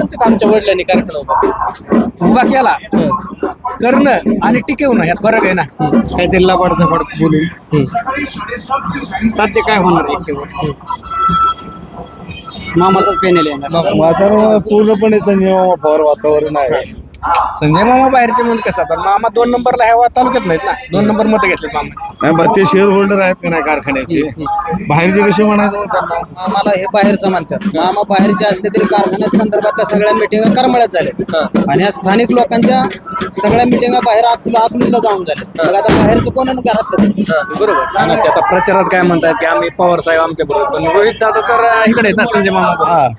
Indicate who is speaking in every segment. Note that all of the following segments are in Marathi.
Speaker 1: म्हणतात आमच्या वडिलांनी कारखाना
Speaker 2: उभा केला करणं आणि टिकवणं यात फरक आहे ना. काहीतरी लबाडचा फडक बोलून साध्य काय होणार आहे शेवट. मामाचाच पॅनल आहे.
Speaker 3: वातावरण पूर्णपणे संजय मामा पवार वातावरण आहे.
Speaker 2: संजय मामा बाहेरचे म्हणून कसं आता मामा 2 नंबरला ह्या तालुक्यात नाहीत ना. 2 नंबर मतं घेतलेत मामा.
Speaker 3: नाही बा, ते शेअर होल्डर आहेत का नाही कारखान्याचे. बाहेरचे कसे म्हणायचं मग त्यांना.
Speaker 4: मामाला हे बाहेरचं म्हणतात. मामा बाहेरचे असले तरी कारखान्या संदर्भातल्या सगळ्या मिटिंगा करमळ्यात झाल्या आणि या स्थानिक लोकांच्या सगळ्या मिटिंगा बाहेर अकलूजला जाऊन झाल्या. मग आता बाहेरचं कोण आणि घरातलं
Speaker 1: बरोबर.
Speaker 2: आणि ते आता प्रचारात काय म्हणतात की आम्ही पवार साहेब आमच्या बरोबर, पण रोहित दादा तर इकडे आहेत ना संजय मामा.
Speaker 3: हा,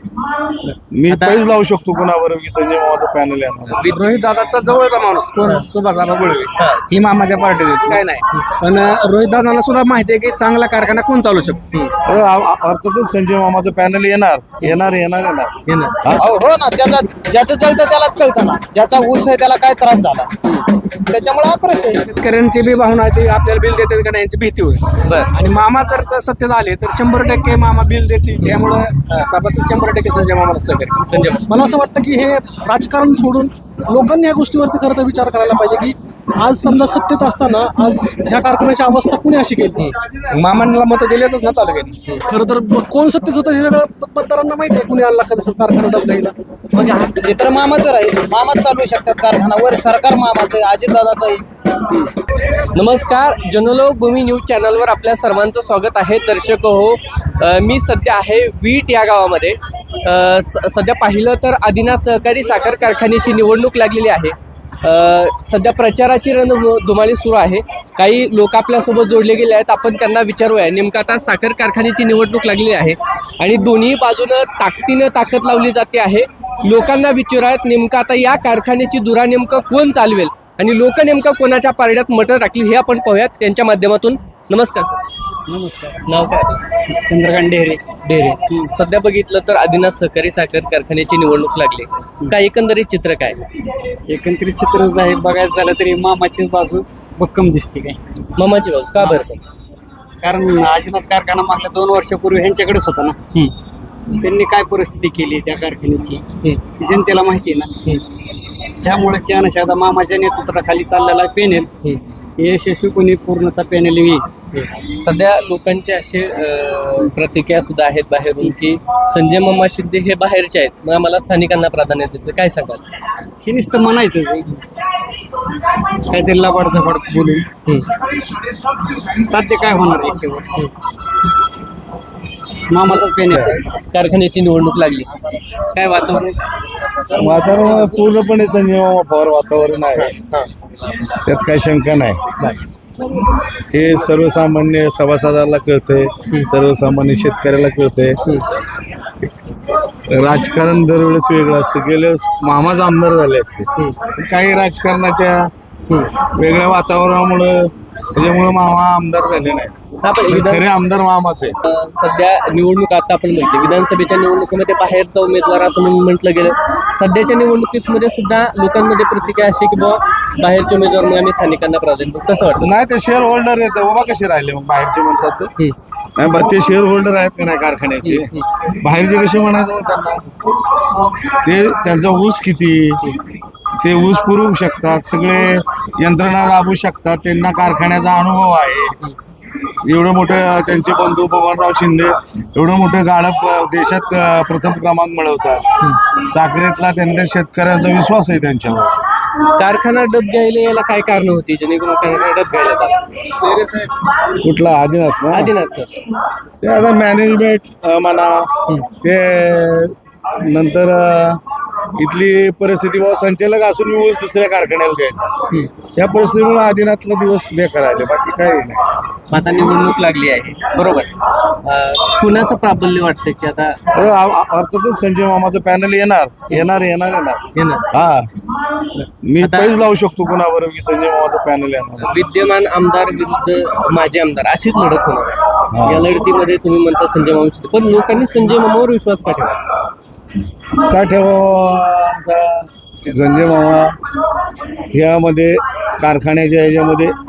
Speaker 3: मी पैज लावू शकतो कोणाबरोबर की संजय मामाचं पॅनल येणार.
Speaker 2: रोहित दादाचा जवळचा माणूस कोण सुभाषआबा गुळवे ही मामाच्या पार्टीत आहेत, काय नाही. पण रोहित दादाला सुद्धा माहिती आहे की चांगला कारखाना कोण चालू शकतो.
Speaker 3: अर्थातच संजय मामाचं पॅनल येणार येणार येणार येणार.
Speaker 4: हो ना. ज्याचं जळतं त्यालाच कळतं ना. ज्याचा ऊस आहे त्याला काय त्रास झाला त्याच्यामुळे आक्रोश आहे.
Speaker 2: शेतकऱ्यांची बी भावना आहे ती आपल्याला बिल देतात का नाही यांची भीती होईल. आणि मामा जर सत्तेत आले तर 100% मामा बिल देतील. त्यामुळं सभासद 100% संजय मामाला सहकार्य.
Speaker 5: मला असं वाटतं की हे राजकारण सोडून लोकांनी या गोष्टीवरती खरं तर विचार करायला पाहिजे की आज समजा सत्तेत असताना आज ह्या कारखान्याची अवस्था कुणी अशी केली.
Speaker 2: मामांना मतं दिलेतच ना तालुक्याने.
Speaker 5: खरं तर कोण सत्तेत होतं हे सगळं मतदारांना माहिती आहे. कुणी आणला कसं कारखाना डबडाईला.
Speaker 4: म्हणजे चित्र मामाचं राहील. मामाच चालवू शकतात कारखाना. वर सरकार मामाचं आहे, अजितदादाचं आहे.
Speaker 1: नमस्कार, जनलोक भूमी न्यूज चॅनलवर आपल्या सर्वांचं स्वागत आहे. दर्शक हो, मी सध्या आहे वीट या गावामध्ये. सध्या पाहिलं तर आदिनाथ सहकारी साखर कारखान्याची निवडणूक लागलेली आहे. सध्या प्रचाराची रणधुमाळी सुरू आहे. काही लोक आपल्यासोबत जोडले गेले आहेत. आपण त्यांना विचारूया. नेमकं आता साखर कारखान्याची निवडणूक लागलेली आहे आणि दोन्ही बाजूनं ताकदीनं ताकद लावली जाते आहे. लोकांना विचारूयात नेमकं आता या कारखान्याची धुरा नेमकं कोण चालवेल आणि लोक नेमकं कोणाच्या पारड्यात मटर टाकली हे आपण पाहूयात त्यांच्या माध्यमातून. नमस्कार सर.
Speaker 2: नमस्कार.
Speaker 1: नाव काय?
Speaker 2: चंद्रकांत डेहरे.
Speaker 1: डेरे. सध्या बघितलं तर आदिनाथ सहकारी साखर कारखान्याची निवडणूक लागली. काय एकंदरीत चित्र काय?
Speaker 2: एकंदरीत चित्र आहे बघायचं झालं तरी मामाची बाजू भक्कम दिसते. काय
Speaker 1: मामाची बाजू का बरं?
Speaker 2: कारण आजीनाथ कारखाना मागल्या 2 वर्षापूर्वी ह्यांच्याकडेच होता ना. त्यांनी काय परिस्थिती केली त्या कारखान्याची ती जनतेला माहिती आहे ना. त्यामुळे आता मामाच्या नेतृत्वाखाली चाललेला पॅनेल यशस्वीपणे पूर्णतः पॅनेल येईल.
Speaker 1: सध्या लोकांचे असे प्रतिक्रिया सुद्धा आहेत बाहेरून की संजय मामा शिंदे हे बाहेरचे आहेत, मग आम्हाला स्थानिकांना प्राधान्य द्यायचं. काय सांगाल?
Speaker 2: हे नुसतं म्हणायचंच काहीतरी लबाडचा फडक बोलून साध्य काय होणार आहे शेवट. मामाचाच पॅनेल.
Speaker 1: कारखान्याची निवडणूक लागली, काय वातावरण?
Speaker 3: वातावरण पूर्णपणे संजय मामा पवार वातावरण आहे. त्यात काही शंका नाही. हे सर्वसामान्य सभासदाला कळतंय, सर्वसामान्य शेतकऱ्याला कळतंय. राजकारण दरवेळेस वेगळं असतं. गेल्या मामाच आमदार झाले असते. काही राजकारणाच्या वेगळ्या वातावरणामुळं त्याच्यामुळं मामा आमदार झाले नाही. खरे आमदार मामाच आहे.
Speaker 1: सध्या निवडणूक आता आपण म्हणतो विधानसभेच्या निवडणुकीमध्ये बाहेरचा उमेदवार असं म्हणून म्हटलं गेलं. सध्याच्या निवडणुकीमध्ये सुद्धा लोकांमध्ये प्रतिक्रिया अशी की बाबा बाहेरचे उमेदवार मग आम्ही स्थानिकांना प्राधान्य. कसं वाटतं?
Speaker 3: नाही, ते शेअर होल्डर आहेत. उभा कसे राहिले मग बाहेरचे म्हणतात. नाही बा, ते शेअर होल्डर आहेत का नाही कारखान्याचे. बाहेरचे कसे म्हणायचं मग त्यांना. ते त्यांचा ऊस किती, ते ऊस पुरवू शकतात, सगळे यंत्रणा राबवू शकतात. त्यांना कारखान्याचा अनुभव आहे. एवढं मोठं त्यांचे बंधू बबनराव शिंदे एवढं मोठं गाळप देशात प्रथम क्रमांक मिळवतात. साखरेतला त्यांच्या शेतकऱ्यांचा विश्वास आहे त्यांच्यावर.
Speaker 1: कारखाना डब घ्यायला यायला काय कारण होती जेणेकरून कारखाना डब घ्यायला?
Speaker 3: कुठला आदिनाथ ना.
Speaker 1: आदिनाथचं
Speaker 3: ते आता मॅनेजमेंट म्हणा, ते नंतर इथली परिस्थिती बाबा संचालक असून ऊस दुसऱ्या कारखान्याला द्यायचा. या परिस्थितीमुळे आदिनाथला दिवस बेकार आले, बाकी काही नाही.
Speaker 1: आता निवडणूक लागली आहे बरोबर. कुणाचं प्राबल्य वाटतं की आता?
Speaker 3: अर्थातच संजय मामाचं पॅनल येणार येणार येणार येणार. हा, मी पैज लावू शकतो कोणाबरोबर की संजय मामाचं पॅनल येणार.
Speaker 1: विद्यमान आमदार विरुद्ध माजी आमदार अशीच लढत होणार आहे. या लढतीमध्ये तुम्ही म्हणता संजय मामा शिंदे, पण लोकांनी संजय मामावर विश्वास का ठेवा?
Speaker 3: का ठेवावा? आता संजय मामा यामध्ये कारखान्याच्या ह्याच्यामध्ये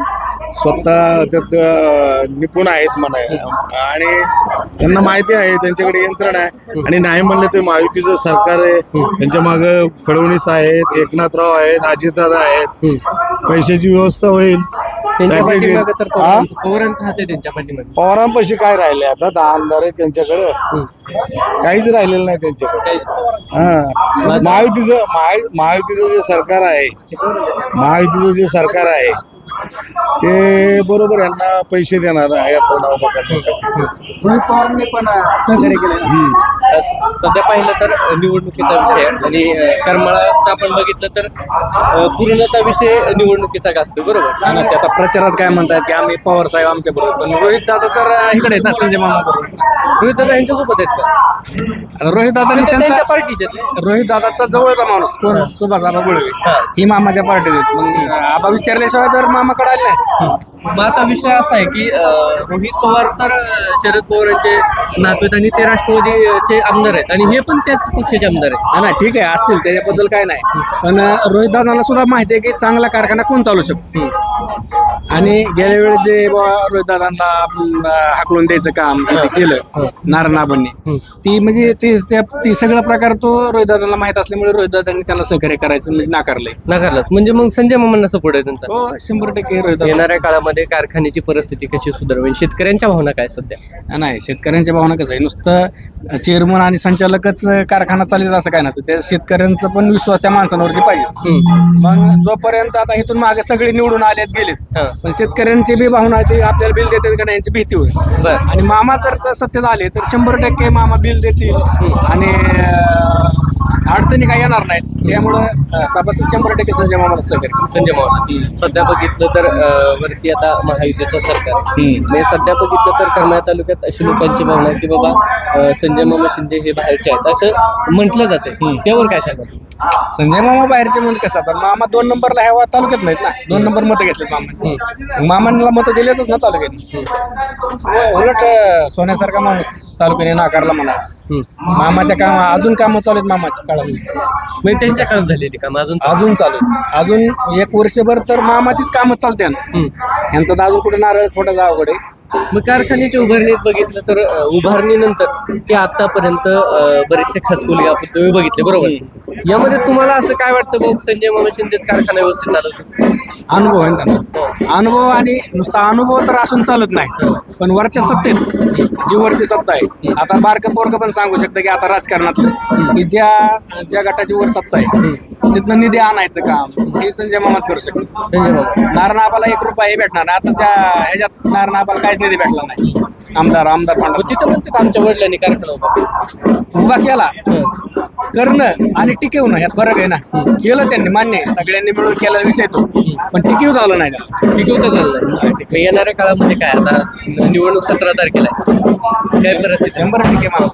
Speaker 3: स्वतः त्यात निपुण आहेत म्हणा आणि त्यांना माहिती आहे, त्यांच्याकडे यंत्रणा आहे. आणि नाही म्हणलं तर महायुतीचं सरकार आहे, त्यांच्या मागं फडणवीस आहेत, एकनाथराव आहेत, अजितदादा आहेत, पैशाची व्यवस्था होईल.
Speaker 1: त्यांच्या
Speaker 3: पॅकेज येईल.
Speaker 1: पाठीमागं तर पवारांचा हात आहे त्यांच्या पाठीमागे.
Speaker 3: पवारांपाशी काय राहिले आता 10 आमदार आहेत त्यांच्याकडं, काहीच राहिलेलं नाही त्यांच्याकडे.
Speaker 1: काहीच.
Speaker 3: हा महायुतीचं जे सरकार आहे, महायुतीचं जे सरकार आहे ते बरोबर यांना पैसे देणार यात्रा उभा करण्यासाठी.
Speaker 2: रोहित पवारांनी पण सहकार्य केलं.
Speaker 1: सध्या पाहिलं तर निवडणुकीचा विषय आहे आणि करमाळात आपण बघितलं तर पूर्णतः विषय निवडणुकीचा गाजतो, बरोबर.
Speaker 2: आणि ते आता प्रचारात काय म्हणतात की आम्ही पवार साहेब आमच्या बरोबर, पण रोहित दादा तर इकडे आहेत ना, संजय मामा बरोबर.
Speaker 1: रोहित दादा यांच्यासोबत आहेत का?
Speaker 2: रोहित दादांनी
Speaker 1: त्यांच्या
Speaker 2: त्यांचा
Speaker 1: पार्टीचे आहेत.
Speaker 2: रोहित दादाचा जवळचा माणूस कोण, सुभाष आबा गुळवे, ही मामाच्या पार्टीत आहेत. मग आबा विचारल्याशिवाय तर मामाकडे आले नाही.
Speaker 1: मग आता विषय असा आहे की रोहित पवार तर शरद पवारांचे नातू आहेत आणि ते राष्ट्रवादीचे आमदार आहेत आणि हे पण त्याच पक्षाचे आमदार आहेत.
Speaker 2: नाही ठीक आहे, असतील त्याच्याबद्दल काय नाही, पण रोहित दादांना सुद्धा माहिती आहे की चांगला कारखाना कोण चालू शकतो. आणि गेल्या वेळेस जे रोहित दादांना हाकलून द्यायचं काम ते केलं नारायणाबांनी, ती म्हणजे ती सगळा प्रकार तो रोहित दादांना माहित असल्यामुळे रोहित दादांनी त्यांना सहकार्य करायचं म्हणजे
Speaker 1: नाकारलंच. म्हणजे मग संजय मामांना सपोर्ट आहे त्यांचा.
Speaker 2: हो 100% रोहित दादा.
Speaker 1: येणाऱ्या काळामध्ये कारखान्याची परिस्थिती कशी सुधारवेल, शेतकऱ्यांच्या भावना काय सध्या?
Speaker 2: नाही, शेतकऱ्यांच्या भावना कसं आहे, नुसतं चेअरमन आणि संचालकच कारखाना चालत असं काय नसतं. त्या शेतकऱ्यांचा पण विश्वास त्या माणसांवरती पाहिजे. मग जोपर्यंत आता इथून मागे सगळे निवडून आलेत गेलेत, पण शेतकऱ्यांची बी भावना आहे ती आपल्याला बिल देतात का नाही यांची भीती होईल. आणि मामा जर सत्तेत आले तर 100% मामा बिल देतील आणि अडचणी काही येणार नाहीत. त्यामुळं सभासद 100% संजय मामाला सहकार्य.
Speaker 1: संजय मामा सध्या बघितलं तर वरती आता महायुतीचं सरकार म्हणजे सध्या बघितलं तर करमाळा तालुक्यात अशी लोकांची भावना आहे की बाबा संजय मामा शिंदे हे बाहेरचे आहेत असं म्हटलं जाते. त्यावर काय सांगा?
Speaker 2: संजय मामा बाहेरचे म्हणून कसं, आता मामा 2 नंबरला ह्या तालुक्यात नाहीत ना, 2 नंबर मतं घेतलेत मामांनी. मामांना मतं दिलेतच ना तालुक्याने. उलट सोन्यासारखा माणूस तालुक्याने नाकारला म्हणा. मामाच्या काम अजून कामं चालू आहेत मामाच्या काळात,
Speaker 1: म्हणजे त्यांच्या काळात झालेली काम
Speaker 2: अजून चालू आहेत. अजून 1 वर्षभर तर मामाचीच कामं चालते. ह्यांचं तर अजून कुठे नारळ फोटायचं अवघड आहे.
Speaker 1: मग कारखान्याच्या उभारणीत बघितलं तर उभारणीनंतर ते आतापर्यंत बरेचसे खासकुली आपण तुम्ही बघितले, बरोबर. यामध्ये तुम्हाला असं काय वाटतं बघ, संजय मामा शिंदेच कारखाना व्यवस्थित चालवतो?
Speaker 2: अनुभव आहे त्यांना, अनुभव. आणि नुसता अनुभव तर असून चालत नाही, पण वरच्या सत्तेत जी वरची सत्ता आहे, आता बारकं पोरकं पण सांगू शकतं की आता राजकारणातलं की ज्या गटाची वर सत्ता आहे तिथनं निधी आणायचं काम हे संजय मामाच करू शकतो.
Speaker 1: संजय मामा
Speaker 2: नारायणाबाला 1 रुपया भेटणार नाही. आताच्या ह्याच्यात नारायणाबाला काहीच निधी भेटला नाही. आमदार
Speaker 1: मग तिथं म्हणते आमच्या वडिलांनी कारखाना
Speaker 2: उभा केला, करणं आणि टिकवणं ह्यात फरक आहे ना. केलं त्यांनी, मान्य आहे, सगळ्यांनी मिळून केला विषय तो, पण टिकवू झालं नाही त्याला.
Speaker 1: टिकवता झालं नाही. येणाऱ्या काळामध्ये काय आता निवडणूक 17 तारखेला आहे, काय परिस्थिती?
Speaker 2: 100% मामा.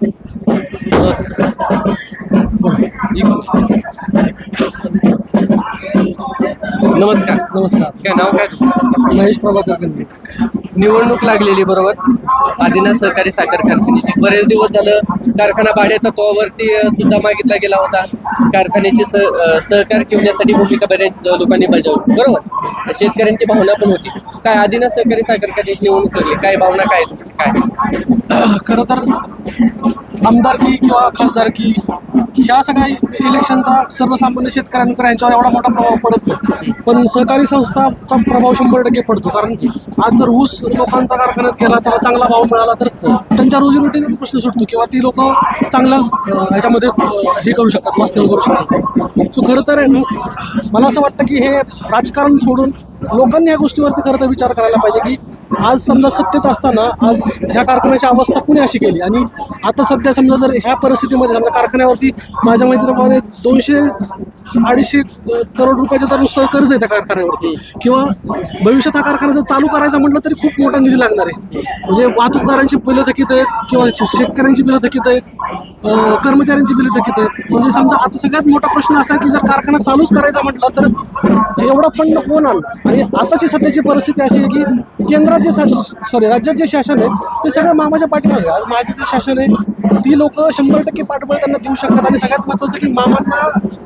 Speaker 1: नमस्कार. काय नाव काय तुमचं?
Speaker 5: महेश प्रभाकर गंभीर.
Speaker 1: निवडणूक लागलेली, बरोबर. आदिनाथ सहकारी साखर कारखान्याची बरेच दिवस झालं कारखाना भाडे तत्वावरती सुद्धा मागितला गेला होता. कारखान्याची सहकार ठेवण्यासाठी भूमिका बऱ्याच लोकांनी बजावली, बरोबर. शेतकऱ्यांची भावना पण होती. काय आदिनाथ सहकारी साखर कारखान्याची निवडणूक लागली, काय भावना काय तुमची? काय
Speaker 5: खरं तर आमदारकी किंवा खासदारकी ह्या सगळ्या इलेक्शनचा सर्वसामान्य शेतकऱ्यांकडे यांच्यावर एवढा मोठा प्रभाव पडत नाही, पण सहकारी संस्थाचा प्रभाव 100% पडतो. कारण आज जर ऊस लोकांचा कारखान्यात गेला, त्याला चांगला भाव मिळाला तर त्यांच्या रोजीरोटीचाच प्रश्न सुटतो किंवा ती लोक चांगलं ह्याच्यामध्ये हे करू शकतात, वास्तव्य करू शकतात. सो खरं तर आहे ना, मला असं वाटतं की हे राजकारण सोडून लोकांनी या गोष्टीवरती खरं तर विचार करायला पाहिजे की आज समजा सत्तेत असताना आज ह्या कारखान्याची अवस्था कुणी अशी केली. आणि आता सध्या समजा जर ह्या परिस्थितीमध्ये समजा कारखान्यावरती माझ्या मैत्रिणीप्रमाणे 200-250 करोड रुपयाचं तर नुसतं कर्ज आहे त्या कारखान्यावरती, किंवा भविष्यात हा कारखाना जर चालू करायचा म्हटलं तरी खूप मोठा निधी लागणार आहे. म्हणजे वाहतूकदारांची बिलं थकीत आहेत किंवा शेतकऱ्यांची बिलं थकीत आहेत, कर्मचाऱ्यांची बिलं थकीत आहेत. म्हणजे समजा आता सगळ्यात मोठा प्रश्न असा आहे की जर कारखाना चालूच करायचा म्हटलं तर एवढा फंड कोण आणणार. आणि आताची सध्याची परिस्थिती अशी आहे की केंद्रात राज्यात जे शासन आहे ते सगळं मामाच्या पाठीमागे. आज महायुतीचं शासन आहे, ती लोक 100% पाठबळ त्यांना देऊ शकतात. आणि सगळ्यात महत्त्वाचं की मामांना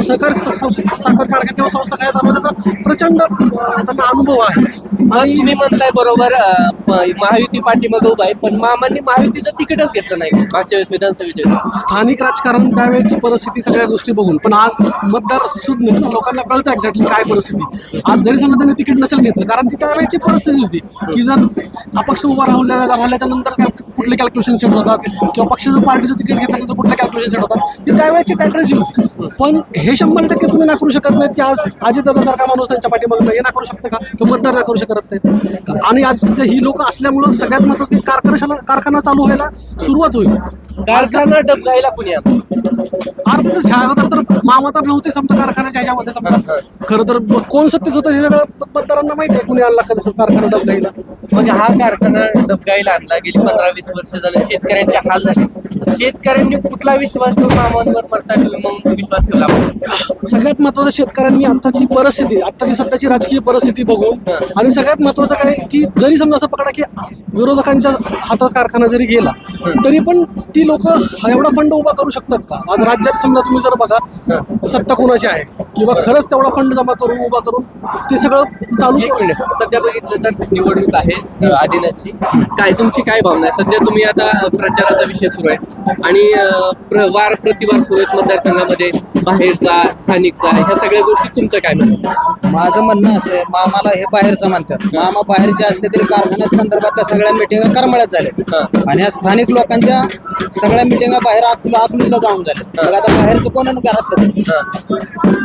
Speaker 5: सहकारी साखर कारखाने किंवा संस्था काय चालू आहे, त्याचा प्रचंड त्यांना अनुभव आहे.
Speaker 1: आणि तुम्ही म्हणताय बरोबर महायुती पाठीमागे उभा आहे, पण मामांनी महायुतीचं तिकीटच घेतलं नाही मागच्या वेळेस विधानसभेच्या.
Speaker 5: स्थानिक राजकारण त्यावेळेची परिस्थिती सगळ्या गोष्टी बघून, पण आज मतदार सुज्ञ ना, लोकांना कळतं एक्झॅक्टली काय परिस्थिती. आज जरी समजा त्यांनी तिकीट नसेल घेतलं, कारण ती त्यावेळेची परिस्थिती होती की जर अपक्ष उभा राहिल्याच्या नंतर कुठले कॅल्क्युलेशन सेट होतात किंवा पक्षाचं पार्टीचं तिकीट घेतल्यानंतर कुठले कॅल्क्युलेशन सेट होतात, ती त्यावेळेची स्ट्रॅटेजी होती. पण हे 100% तुम्ही नाकारू शकत नाहीत की आज अजितदादासारखा माणूस त्यांच्या पाठीमागे हे नाकारू शकतं का, किंवा मतदार नाकारू शकत नाहीत. आणि आज सध्या ही लोक असल्यामुळं सगळ्यात महत्त्वाचं की कारखाना चालू व्हायला सुरुवात होईल.
Speaker 1: कारखाना डबघाईला कुणी आणलं?
Speaker 5: अर्थातच ह्या अगोदर तर मामा तर नव्हते समजा कारखान्याच्या ह्याच्यामध्ये. समजा खरं तर कोण सत्तेत होतं हे सगळं मतदारांना माहिती आहे, कुणी आणला कारखाना डबघाईला.
Speaker 1: म्हणजे हा कारखाना डबघाईला आणला, गेली 15-20 वर्ष झाले शेतकऱ्यांचे हाल झाले. शेतकऱ्यांनी कुठला विश्वास ठेवून मामांवर पडता तुम्ही मग विश्वास ठेवला?
Speaker 5: सगळ्यात महत्वाचं शेतकऱ्यांनी आत्ताची परिस्थिती, आत्ताची सध्याची राजकीय परिस्थिती बघून, आणि सगळ्यात महत्वाचं काय की जरी समजा असं पकडा की विरोधकांच्या हातात कारखाना जरी गेला तरी पण ती लोक एवढा फंड उभा करू शकतात का? आज राज्यात समजा तुम्ही जर बघा सत्ता कोणाची आहे किंवा खरंच तेवढा फंड जमा करून उभा करून ते सगळं चालू.
Speaker 1: एक मिनिट, सध्या बघितलं तर निवडणूक आहे आदिनाथची, काय तुमची काय भावना आहे? सध्या तुम्ही आता प्रचाराचा विषय सुरू आहे आणि वार प्रतिवार सुरू आहेत मतदारसंघामध्ये, बाहेरचा स्थानिकचा, ह्या सगळ्या गोष्टी तुमचं काय म्हणणं?
Speaker 4: माझं म्हणणं असं आहे, मामाला हे बाहेरचं म्हणतात. मामा बाहेरचे असले तरी कारखान्या संदर्भातल्या सगळ्या मिटिंगा करमळ्यात झाल्या आणि या स्थानिक लोकांच्या सगळ्या मिटिंगा बाहेर अकलूजला जाऊन झाल्या. मग आता बाहेरचं कोण आणि घरातलं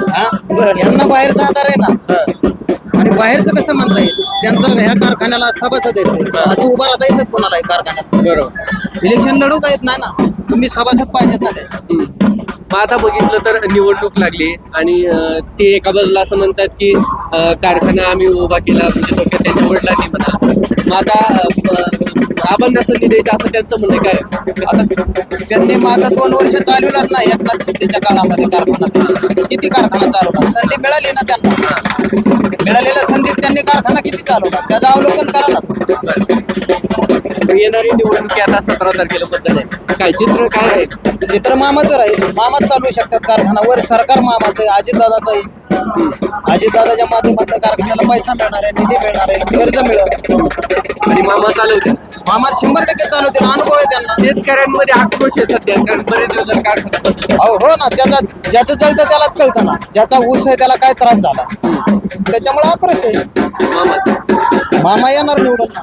Speaker 4: यांना बाहेरचा आधार आहे ना. आणि बाहेरचं कसं म्हणता येईल, त्यांचं ह्या कारखान्याला सभासद येते असं उभं राहता येतं कोणाला कारखान्यात.
Speaker 1: बरोबर,
Speaker 4: इलेक्शन लढवता येत नाही ना, तुम्ही सभासद पाहिजेत ना ते.
Speaker 1: मग आता बघितलं तर निवडणूक लागली आणि ते एका बाजूला असं म्हणतात की कारखाना आम्ही उभा केला, म्हणजे थोडक्यात त्यांच्या वडिलांनी म्हणा. मग आता आबांना संधी द्यायचं असं त्यांचं म्हणणं काय?
Speaker 4: आता त्यांनी मागं 2 वर्ष चालवणार ना एकनाथ शिंदेच्या काळामध्ये कारखाना, किती कारखाना चालवणार? संधी मिळाली ना त्यांना, मिळालेल्या संधीत त्यांनी कारखाना किती चालवणार त्याचं अवलोकन करा ना.
Speaker 1: येणारी निवडणुकी आता 17 तारखेला मतदान आहे, काय चित्र काय आहे?
Speaker 4: चित्र मामाचं राहील, मामाच चालवू शकतात कारखाना. वर सरकार मामाचं आहे, अजितदादाचं आहे. अजितदादाच्या माध्यमातून कारखान्याला पैसा मिळणार आहे, निधी मिळणार आहे, कर्ज मिळेल
Speaker 1: आणि मामा चालवते.
Speaker 4: मामा 100% चालवतील, अनुभव आहे त्यांना.
Speaker 1: शेतकऱ्यांमध्ये आक्रोश आहे सध्या, कारण बरेच दिवस झाले कारखाना.
Speaker 4: हो ना, ज्याचं जळतं त्यालाच कळतं ना, ज्याचा ऊस आहे त्याला काय त्रास झाला, त्याच्यामुळे आक्रोश आहे.
Speaker 1: मामाचं
Speaker 4: मामा येणार निवडून ना.